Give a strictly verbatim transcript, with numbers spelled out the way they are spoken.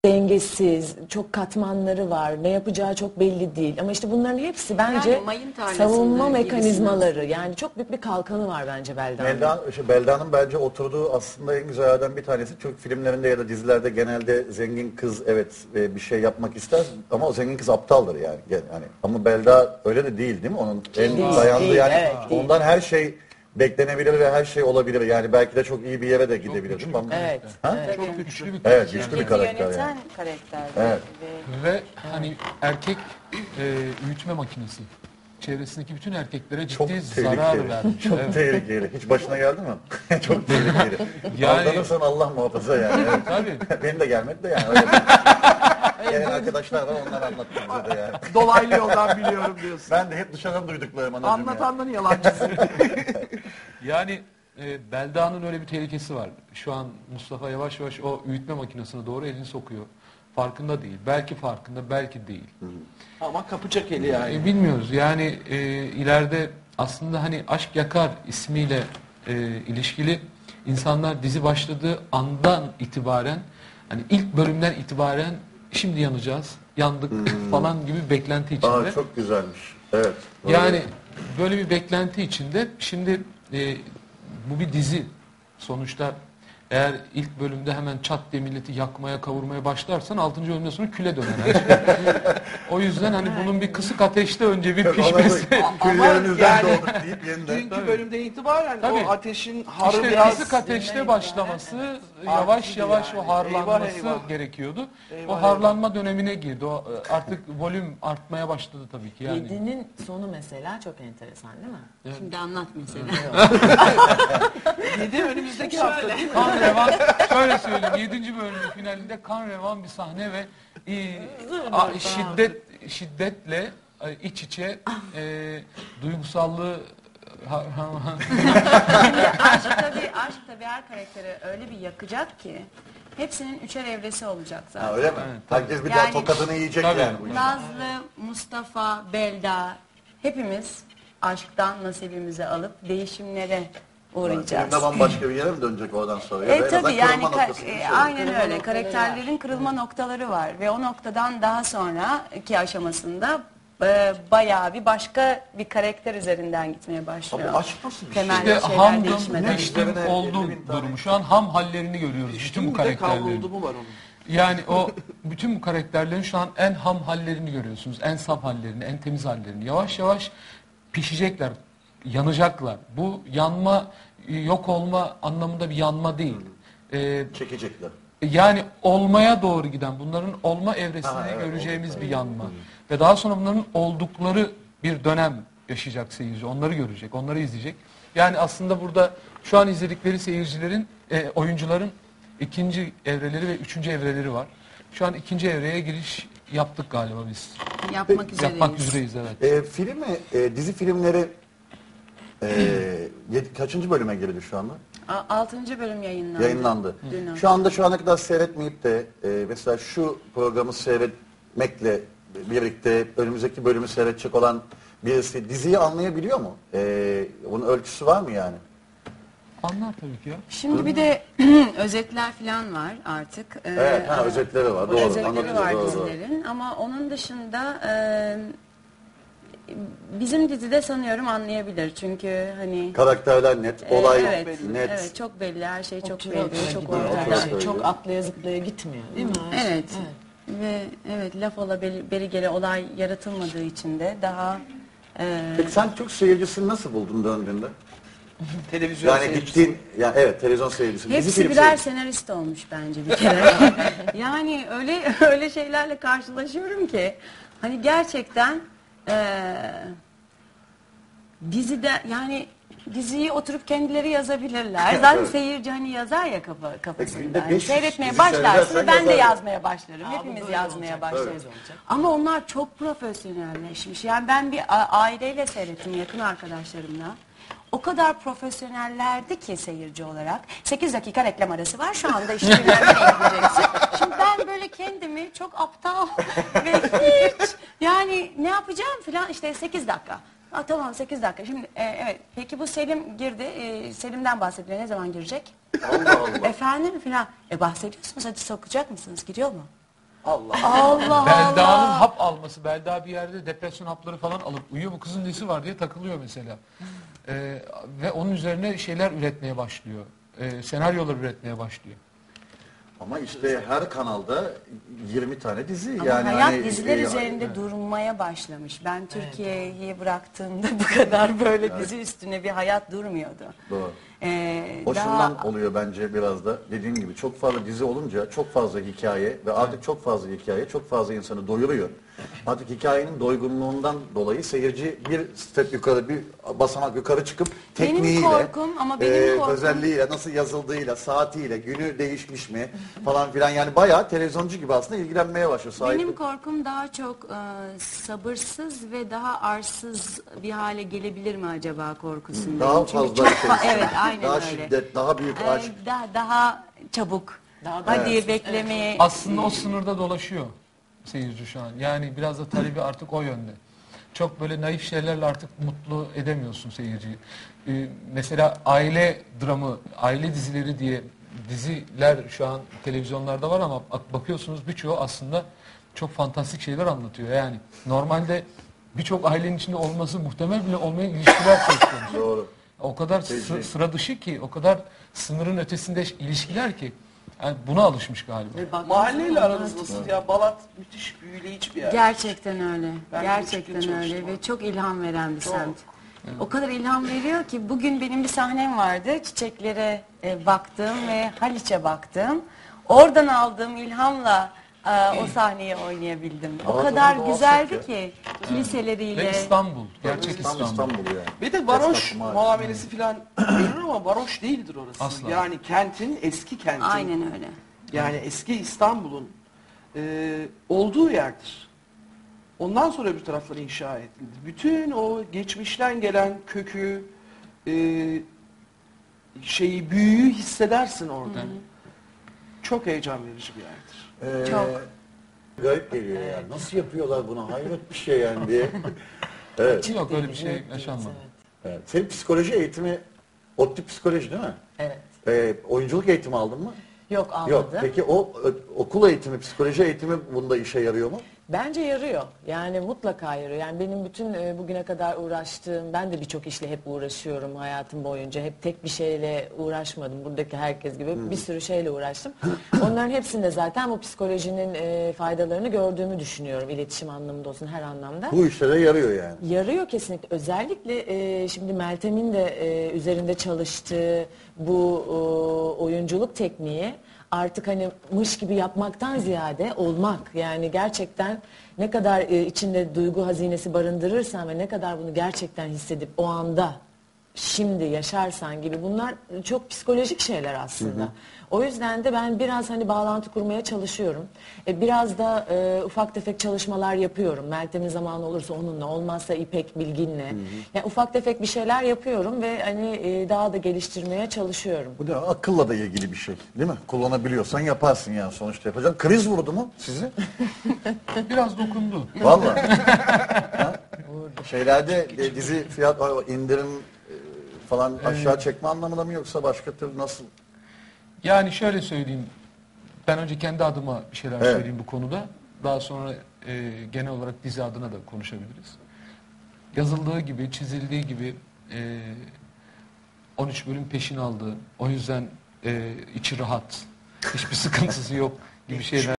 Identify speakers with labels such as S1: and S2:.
S1: dengesiz, çok katmanları var, ne yapacağı çok belli değil. Ama işte bunların hepsi bence
S2: Yani mayın tarlasında
S1: savunma
S2: gibisinden.
S1: mekanizmaları. Yani çok büyük bir kalkanı var bence Belda'nın.
S3: Belda, işte Belda'nın bence oturduğu aslında en güzellerden bir tanesi. Türk filmlerinde ya da dizilerde genelde zengin kız evet e, bir şey yapmak ister ama o zengin kız aptaldır yani. Yani ama Belda öyle de değil değil mi? Onun en
S1: Değil,
S3: dayandığı
S1: değil,
S3: yani
S1: evet, değil.
S3: ondan her şey beklenebilir ve her şey olabilir. Yani belki de çok iyi bir yere de gidebilir değil mi? Ama-
S1: Evet.
S3: Ha?
S1: evet.
S4: Çok güçlü bir
S3: Evet,
S4: karakter.
S3: güçlü bir
S2: Bizi
S3: karakter
S2: yöneten
S3: yani.
S2: karakter.
S3: Evet.
S2: Ve
S4: Ve hani erkek e, büyütme makinesi. Çevresindeki bütün erkeklere
S3: Çok
S4: ciddi zarar
S3: tehlikeli.
S4: vermiş.
S3: Çok
S4: Evet.
S3: tehlikeli. Hiç başına geldi mi? Çok tehlikeli.
S4: Yani-
S3: Aldanırsan Allah muhafaza yani. Evet.
S4: Tabii.
S3: Benim de gelmedi de yani. Öyle gelen arkadaşlar var onlar anlattı bize de yani.
S5: Dolaylı yoldan biliyorum diyorsun.
S3: Ben de hep dışarıdan duyduklarım anacığım ya.
S5: Anlatanların yalancısı.
S4: Yani e, Belda'nın öyle bir tehlikesi var. Şu an Mustafa yavaş yavaş o büyütme makinesine doğru elini sokuyor. Farkında değil. Belki farkında, belki değil.
S5: Ama kapacak eli yani.
S4: E, bilmiyoruz. Yani e, ileride aslında hani Aşk Yakar ismiyle e, ilişkili insanlar dizi başladığı andan itibaren hani ilk bölümden itibaren şimdi yanacağız, yandık falan gibi beklenti içinde.
S3: Aa, çok güzelmiş. Evet. doğru.
S4: Yani böyle bir beklenti içinde şimdi e, bu bir dizi sonuçta eğer ilk bölümde hemen çat diye milleti yakmaya kavurmaya başlarsan altıncı bölümden sonra küle döner her şey. O yüzden hani bunun bir kısık ateşte önce bir pişmesi.
S3: Küllerinizden
S5: yani-
S3: doğduk deyip yeniden.
S5: Dünkü bölümde itibaren
S4: Tabii.
S5: o ateşin harı
S4: İşte
S5: biraz...
S4: kısık ateşte başlaması yavaş
S5: Artıydı
S4: yavaş
S5: yani.
S4: o harlanması
S5: Eyvah, eyvah.
S4: gerekiyordu.
S5: Eyvah,
S4: O harlanma dönemine girdi. O e, artık volüm artmaya başladı tabii ki yani.
S1: Yedinin sonu mesela çok enteresan değil mi?
S2: şimdi anlat mesela.
S5: Yedi önümüzdeki hafta değil mi?
S4: Kan revan, şöyle söyleyeyim, yedinci bölümün finalinde kan revan bir sahne ve e, a- şiddet şiddetle e, iç içe e, duygusallığı ha- ha-
S2: Şimdi aşk tabii, aşk tabii her karakteri öyle bir yakacak ki hepsinin üçer evresi olacak zaten.
S3: Ha, öyle mi? Herkes bir daha
S2: Yani-
S3: tokadını yiyecek
S4: Tabii.
S3: yani. Bu işin.
S2: Nazlı, Mustafa, Belda hepimiz aşktan nasibimizi alıp değişimlere uğrayacağız.
S3: Filmde bambaşka bir yere mi dönecek oradan sonra? Ya da
S2: E
S3: en azından
S2: tabii yani
S3: kırılma
S2: ka-
S3: noktası gibi
S2: e,
S3: bir şey.
S2: aynen öyle.
S1: noktaları
S2: Karakterlerin kırılma noktaları var ve o noktadan daha sonraki aşamasında e, bayağı bir başka bir karakter üzerinden gitmeye başlıyor.
S3: Abi aşk nasıl bir şey?
S2: Temel
S4: İşte
S2: şeyler
S4: hamdım,
S2: değişmeden.
S4: piştim
S3: Üzerine
S4: olduğum
S3: elli bin tane-
S4: durumu. Şu an ham hallerini görüyoruz bütün
S5: Düştüm
S4: bu
S5: bir de
S4: karakterlerin.
S5: kavruldu mu var onun?
S4: Yani o bütün bu karakterlerin şu an en ham hallerini görüyorsunuz. En saf hallerini, en temiz hallerini. Yavaş yavaş pişecekler, yanacaklar. Bu yanma, yok olma anlamında bir yanma değil. Ee,
S3: Çekecekler.
S4: yani olmaya doğru giden, bunların olma evresini
S3: Ha, evet,
S4: göreceğimiz bir yanma. Ve daha sonra bunların oldukları bir dönem yaşayacak seyirci. Onları görecek, onları izleyecek. Yani aslında burada şu an izledikleri seyircilerin, e, oyuncuların ikinci evreleri ve üçüncü evreleri var. Şu an ikinci evreye giriş yaptık galiba biz.
S2: Yapmak üzereyiz.
S4: Yapmak üzereyiz evet.
S3: E, filmi, e, dizi filmleri e, yedi- kaçıncı bölüme girdi şu anda?
S2: A- Altıncı bölüm yayınlandı.
S3: Yayınlandı.
S2: Dün
S3: Şu anda şu ana kadar seyretmeyip de e, mesela şu programı seyretmekle birlikte önümüzdeki bölümü seyredecek olan birisi diziyi anlayabiliyor mu? E, bunun ölçüsü var mı yani?
S4: Anlar tabii ki ya.
S2: Şimdi bir de özetler falan var artık. Ee,
S3: Evet, ha, özetleri var. Doğru.
S2: özetleri
S3: anlatıyor,
S2: var
S3: doğru, doğru.
S2: dizilerin ama onun dışında e, bizim dizide sanıyorum anlayabilir çünkü hani
S3: Karakterler net,
S2: e,
S3: olay
S2: evet,
S3: net.
S2: evet çok belli, her şey çok
S1: Otura otura
S2: belli, çok
S1: gidiyor
S2: ortada.
S1: her şey. Çok atlaya zıplaya gitmiyor değil mi?
S2: Evet. Ve evet laf ola beri, beri gele olay yaratılmadığı için de daha e,
S3: Peki sen Türk seyircisini nasıl buldun döndüğünde?
S5: Televizyon
S3: Yani
S5: seyircisi.
S3: gittiğin, yani evet televizyon seyircisi. dizi
S2: hepsi
S3: film
S2: birer
S3: seyircisi.
S2: senarist olmuş bence bir kere. Yani öyle öyle şeylerle karşılaşıyorum ki hani gerçekten eee dizide yani diziyi oturup kendileri yazabilirler. Zaten
S3: Evet.
S2: seyirci hani yazar ya kafa
S3: Peki,
S2: kafasında.
S3: günde
S2: Hani
S3: beş yüz
S2: seyretmeye
S3: dizi
S2: başlarsın
S3: seyredersen
S2: ben de
S3: yazar.
S2: yazmaya başlarım. Hepimiz yazmaya başlarız. Ama onlar çok profesyonelleşmiş. Yani ben bir a- aileyle seyrettim yakın arkadaşlarımla. O kadar profesyonellerdi ki seyirci olarak. sekiz dakika reklam arası var. Şu anda işte bilmem nereye gideceksin. Şimdi ben böyle kendimi çok aptal ve hiç yani ne yapacağım filan işte sekiz dakika. Ha, tamam sekiz dakika. Şimdi e, evet peki bu Selim girdi. E, Selim'den bahsediyor. Ne zaman girecek?
S3: Allah Allah.
S2: Efendim filan. E bahsediyorsunuz hadi sokacak mısınız? Gidiyor mu?
S5: Allah.
S2: Allah
S4: Belda'nın
S2: Allah.
S4: hap alması, Belda bir yerde depresyon hapları falan alıp uyuyor, bu kızın nesi var diye takılıyor mesela. Ee, ve onun üzerine şeyler üretmeye başlıyor. Ee, senaryolar üretmeye başlıyor.
S3: Ama işte her kanalda yirmi tane dizi.
S2: Ama
S3: yani
S2: hayat
S3: hani,
S2: diziler
S3: e,
S2: üzerinde durmaya başlamış. Ben Türkiye'yi bıraktığımda bu kadar böyle dizi üstüne bir hayat durmuyordu.
S3: Doğru.
S2: Ee,
S3: O
S2: daha-
S3: şundan oluyor bence biraz da, dediğim gibi çok fazla dizi olunca çok fazla hikaye ve artık çok fazla hikaye çok fazla insanı doyuruyor. Artık hikayenin doygunluğundan dolayı seyirci bir step yukarı, bir basamak yukarı çıkıp
S2: Benim
S3: tekniğiyle,
S2: korkum ama benim
S3: e,
S2: korkum-
S3: özelliğiyle, nasıl yazıldığıyla, saatiyle, günü değişmiş mi falan filan, yani bayağı televizyoncu gibi aslında ilgilenmeye başlıyor. Sahip-
S2: Benim korkum daha çok e, sabırsız ve daha arsız bir hale gelebilir mi acaba korkusundayım.
S3: Daha
S2: Çünkü
S3: fazla
S2: çok
S3: şey
S2: fa-
S3: istiyor.
S2: evet aynen
S3: daha
S2: öyle.
S3: şiddet, daha büyük
S2: Ee,
S3: aşk.
S2: daha, daha çabuk.
S1: Daha da-
S2: Hadi
S3: Evet.
S2: beklemeye.
S4: Aslında o sınırda dolaşıyor seyirci şu an. Yani biraz da talebi artık o yönde. Çok böyle naif şeylerle artık mutlu edemiyorsun seyirciyi. Ee, mesela aile dramı, aile dizileri diye diziler şu an televizyonlarda var ama bak- bakıyorsunuz birçoğu aslında çok fantastik şeyler anlatıyor. Yani normalde birçok ailenin içinde olması muhtemel bile olmayan ilişkiler söz konusu.
S3: Doğru.
S4: O kadar sı-
S3: Peki.
S4: sıra dışı ki, o kadar sınırın ötesinde ilişkiler ki. Yani buna alışmış galiba.
S5: Mahalleyle aranız nasıl ya? Balat müthiş büyüleyici bir yer.
S2: Gerçekten öyle.
S5: Ben de
S2: Gerçekten
S5: küçükken
S2: öyle
S5: çalıştım
S2: ve çok ilham veren bir
S5: Çok.
S2: semt. O kadar ilham veriyor ki bugün benim bir sahnem vardı. Çiçeklere e, baktım ve Haliç'e baktım. Oradan aldığım ilhamla e, o sahneyi oynayabildim. O
S3: Ama
S2: kadar
S3: tabii
S2: güzeldi
S3: doğal
S2: ki kiliseleriyle.
S4: Ve İstanbul, gerçek
S3: Tam
S4: İstanbul.
S3: İstanbul yani.
S5: Bir de varoş
S3: Esnafım var.
S5: muamelesi falan görür ama varoş değildir orası.
S4: Asla.
S5: Yani kentin, eski kentin.
S2: Aynen öyle.
S5: Yani eski İstanbul'un e, olduğu yerdir. Ondan sonra öbür tarafları inşa edildi. Bütün o geçmişten gelen kökü, e, şeyi, büyüyü hissedersin orada. Çok heyecan verici bir yerdir.
S3: Ee,
S2: Çok.
S3: Garip geliyor yani. Nasıl yapıyorlar bunu? Hayret bir şey yani diye. Evet.
S4: Yok öyle bir şey yaşanmadı.
S3: Evet. Senin psikoloji eğitimi, ODTÜ psikoloji değil mi?
S1: Evet.
S3: Ee, oyunculuk eğitimi aldın mı?
S1: Yok almadım.
S3: Yok. Peki o ö, okul eğitimi, psikoloji eğitimi bunda işe yarıyor mu?
S1: Bence yarıyor. Yani mutlaka yarıyor. Yani benim bütün e, bugüne kadar uğraştığım, ben de birçok işle hep uğraşıyorum hayatım boyunca. Hep tek bir şeyle uğraşmadım. Buradaki herkes gibi bir sürü şeyle uğraştım. Onların hepsinde zaten bu psikolojinin e, faydalarını gördüğümü düşünüyorum. İletişim anlamında olsun, her anlamda.
S3: Bu işlere yarıyor yani.
S1: Yarıyor kesinlikle. Özellikle e, şimdi Meltem'in de e, üzerinde çalıştığı bu e, oyunculuk tekniği artık hani mış gibi yapmaktan ziyade olmak. Yani gerçekten ne kadar e, içinde duygu hazinesi barındırırsan ve ne kadar bunu gerçekten hissedip o anda şimdi yaşarsan gibi, bunlar çok psikolojik şeyler aslında. O yüzden de ben biraz hani bağlantı kurmaya çalışıyorum. E, biraz da e, ufak tefek çalışmalar yapıyorum. Meltem'in zamanı olursa onunla, olmazsa İpek Bilgin'le. Yani ufak tefek bir şeyler yapıyorum ve hani e, daha da geliştirmeye çalışıyorum.
S3: Bu da akılla da ilgili bir şey değil mi? Kullanabiliyorsan yaparsın yani, sonuçta yapacaksın. Kriz vurdu mu sizi?
S4: Biraz dokundu.
S3: Vallahi. Ha? Şeylerde e, dizi fiyat o indirim e, falan aşağı çekme anlamında mı, yoksa başka türlü nasıl?
S4: Yani şöyle söyleyeyim. Ben önce kendi adıma bir şeyler
S3: Evet.
S4: söyleyeyim bu konuda. Daha sonra e, genel olarak dizi adına da konuşabiliriz. Yazıldığı gibi, çizildiği gibi e, on üç bölüm peşin aldı. O yüzden e, içi rahat. Hiçbir sıkıntısı yok gibi şeyler.